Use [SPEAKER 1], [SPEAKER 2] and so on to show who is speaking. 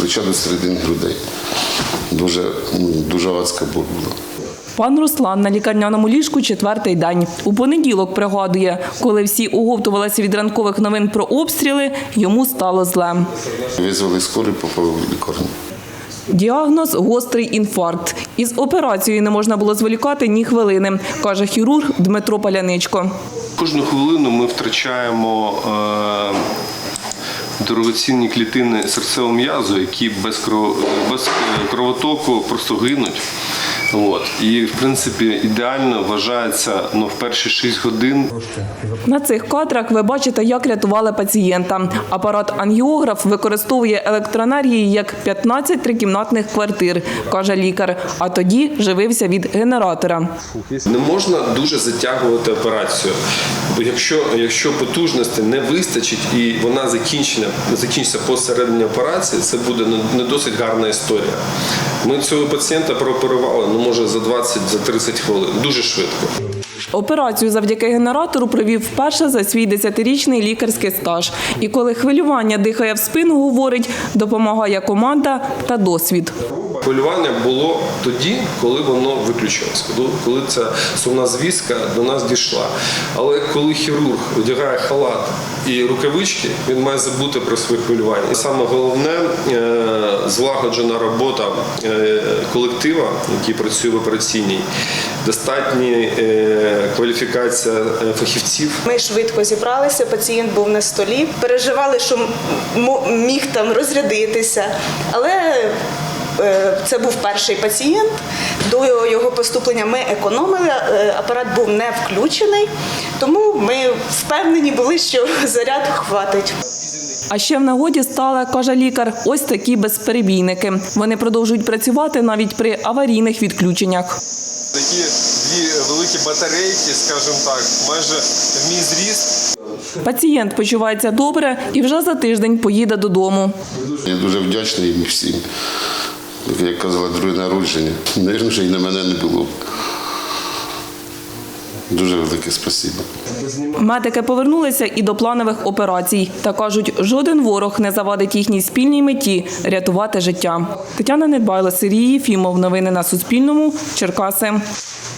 [SPEAKER 1] плеча до середини грудей. Дуже адська боль була.
[SPEAKER 2] Пан Руслан на лікарняному ліжку 4-й день. У понеділок пригадує, коли всі оговтувалися від ранкових новин про обстріли, йому стало зле.
[SPEAKER 1] Визвали скорий, попали в лікарню.
[SPEAKER 2] Діагноз – гострий інфаркт. Із операцією не можна було зволікати ні хвилини, каже хірург Дмитро Паляничко.
[SPEAKER 3] Кожну хвилину ми втрачаємо дорогоцінні клітини серцевого м'язу, які без кровотоку просто гинуть. І, в принципі, ідеально вважається в перші 6 годин.
[SPEAKER 2] На цих кадрах ви бачите, як рятували пацієнта. Апарат ангіограф використовує електроенергії як 15 трикімнатних квартир, каже лікар, а тоді живився від генератора.
[SPEAKER 3] Не можна дуже затягувати операцію, бо якщо потужності не вистачить і вона закінчиться посередині операції, це буде не досить гарна історія. Ми цього пацієнта прооперували, може, за 20-30 хвилин. Дуже швидко.
[SPEAKER 2] Операцію завдяки генератору провів вперше за свій 10-річний лікарський стаж. І коли хвилювання дихає в спину, говорить, допомагає команда та досвід.
[SPEAKER 3] Хвилювання було тоді, коли воно виключилось, коли ця сумна звістка до нас дійшла. Але коли хірург одягає халат і рукавички, він має забути про своє хвилювання. І саме головне – злагоджена робота колектива, який працює в операційній, достатня кваліфікація фахівців.
[SPEAKER 4] Ми швидко зібралися, пацієнт був на столі, переживали, що міг там розрядитися, але це був перший пацієнт. До його поступлення ми економили, апарат був не включений, тому ми впевнені були, що заряд хватить.
[SPEAKER 2] А ще в нагоді стали, каже лікар, ось такі безперебійники. Вони продовжують працювати навіть при аварійних відключеннях.
[SPEAKER 3] Такі дві великі батарейки, скажімо так, майже в мій зріст.
[SPEAKER 2] Пацієнт почувається добре і вже за тиждень поїде додому.
[SPEAKER 1] Я дуже вдячний їм всім. Як казала, друге народження. Навірно, вже і на мене не було. Дуже велике спасибо.
[SPEAKER 2] Медики повернулися і до планових операцій. Та кажуть, жоден ворог не завадить їхній спільній меті – рятувати життя. Тетяна Недбайло, Сергій Єфімов. Новини на Суспільному. Черкаси.